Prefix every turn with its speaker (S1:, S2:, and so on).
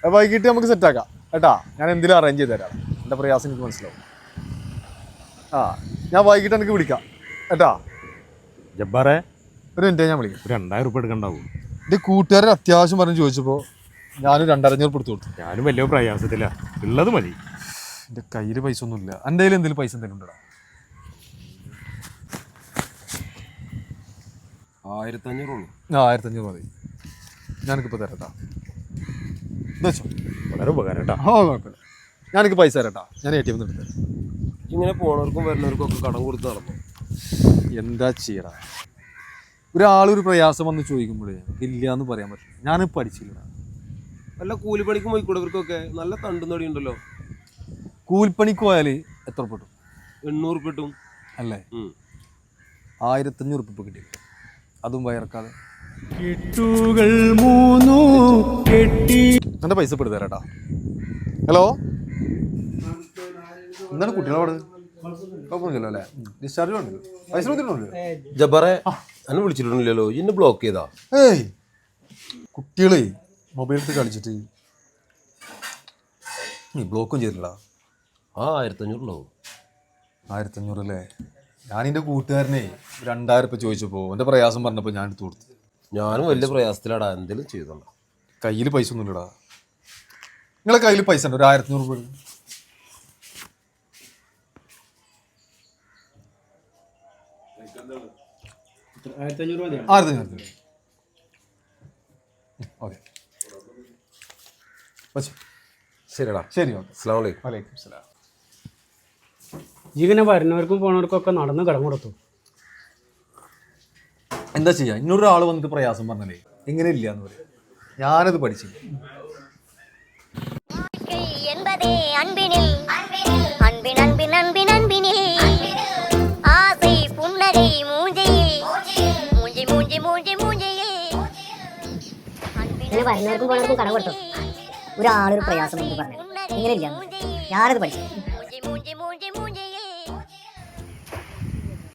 S1: വൈകിട്ട് നമുക്ക് സെറ്റാക്കാം കേട്ടാ. ഞാൻ എന്തെങ്കിലും അറേഞ്ച് ചെയ്ത് തരാം. എൻ്റെ പ്രയാസം എനിക്ക് മനസ്സിലാവും. ആ ഞാൻ വൈകിട്ട് എനിക്ക് വിളിക്കാം കേട്ടാ.
S2: ജബ്ബാറെ
S1: ഒരു മിനിറ്റ് ഞാൻ വിളിക്കാം.
S2: 2000 ഉറുപ്പിക എടുക്കണ്ടാവും.
S1: എൻ്റെ കൂട്ടുകാരൻ അത്യാവശ്യം പറഞ്ഞ് ചോദിച്ചപ്പോൾ ഞാനൊരു 2500 കൊടുത്തു കൊടുത്തു.
S2: ഞാനും വലിയ പ്രയാസത്തില്ല, ഉള്ളത് മതി.
S1: എൻ്റെ കയ്യിൽ പൈസ ഒന്നുമില്ല. എൻ്റെ കയ്യിൽ എന്തെങ്കിലും പൈസ എന്തെങ്കിലും ഉണ്ടോ?
S3: 1500 ഉള്ളൂ.
S1: 1500 മതി. ഞാനിപ്പോൾ തരാട്ടാ. എന്താ വെച്ചോ
S2: വളരെ ഉപകാരം കേട്ടാ.
S1: ആ കുഴപ്പമില്ല, ഞാനെനിക്ക് പൈസ തരാട്ടാ. ഞാൻ ATM എടുത്ത് തരാം.
S3: ഇങ്ങനെ പോണവർക്കും വരുന്നവർക്കും ഒക്കെ കടം കൊടുത്ത് നടന്നു.
S1: എന്താ ചെയ്യടാ, ഒരാളൊരു പ്രയാസം വന്ന് ചോദിക്കുമ്പോഴേ ഇല്ല എന്ന് പറയാൻ പറ്റില്ല. ഞാനിപ്പോൾ പഠിച്ചില്ലടാ.
S3: വല്ല കൂലിപ്പണിക്കും പോയിക്കൂടെ ഇവർക്കൊക്കെ? നല്ല തണ്ടും തൊടി ഉണ്ടല്ലോ.
S1: കൂലിപ്പണിക്ക് പോയാൽ എത്ര പെട്ടു?
S3: 800 ഉറുപ്പിക കിട്ടും
S1: അല്ലേ? 1500 ഉറുപ്പിക കിട്ടി, അതും വയറക്കാതെ. എൻ്റെ പൈസ പെടുത്ത തരാട്ടാ. ഹലോ, എന്താണ് കുട്ടികളോട്? കുഴപ്പമൊന്നുമില്ലല്ലോ അല്ലേ? ഡിസ്ചാർജ് വേണ്ടല്ലോ, പൈസ കൊടുത്തിട്ടുണ്ടല്ലോ.
S3: ജബ്ബാറെ എന്നെ വിളിച്ചിട്ടുണ്ടല്ലോ, എന്നെ ബ്ലോക്ക് ചെയ്താ?
S1: ഏയ് കുട്ടികളെ മൊബൈലിൽ കളിച്ചിട്ട് നീ ബ്ലോക്കും ചെയ്തിട്ടില്ല.
S3: 1500 ഉണ്ടാവും.
S1: 1500 അല്ലേ? ഞാനെൻ്റെ കൂട്ടുകാരനെ 2000 ഉറുപ്പിക ചോദിച്ചപ്പോൾ എൻ്റെ പ്രയാസം പറഞ്ഞപ്പോൾ ഞാൻ എടുത്തു കൊടുത്തു.
S3: ഞാനും വലിയ പ്രയാസത്തിലാടാ, എന്തെങ്കിലും ചെയ്തോണ്ടാ.
S1: കയ്യിൽ പൈസ ഒന്നുമില്ലടാ. നിങ്ങളെ കയ്യിൽ പൈസ ഉണ്ടോ? ഒരു 1500 രൂപ. ഓക്കെ
S3: ശരിടാ.
S1: ശരി, ഓക്കെ.
S3: അസ്സലാമു അലൈക്കും.
S1: വലൈക്കും സലാം.
S4: ഇങ്ങനെ വരുന്നവർക്കും പോണവർക്കും ഒക്കെ നടന്ന് കടം കൊടുത്തു.
S1: എന്താ ചെയ്യുക, ഇന്നൊരാൾ വന്നിട്ട് പ്രയാസം പറഞ്ഞാലേ ഇങ്ങനെ ഇല്ല എന്ന് പറയും. ഞാനത് പഠിച്ചില്ല.
S5: വരുന്നവർക്കും പോണവർക്കും കടം കൊടുത്തു. ഒരാളൊരു പ്രയാസം എന്ന് പറഞ്ഞു ഇങ്ങനെ ഇല്ല, ഞാനത് പഠിച്ചു.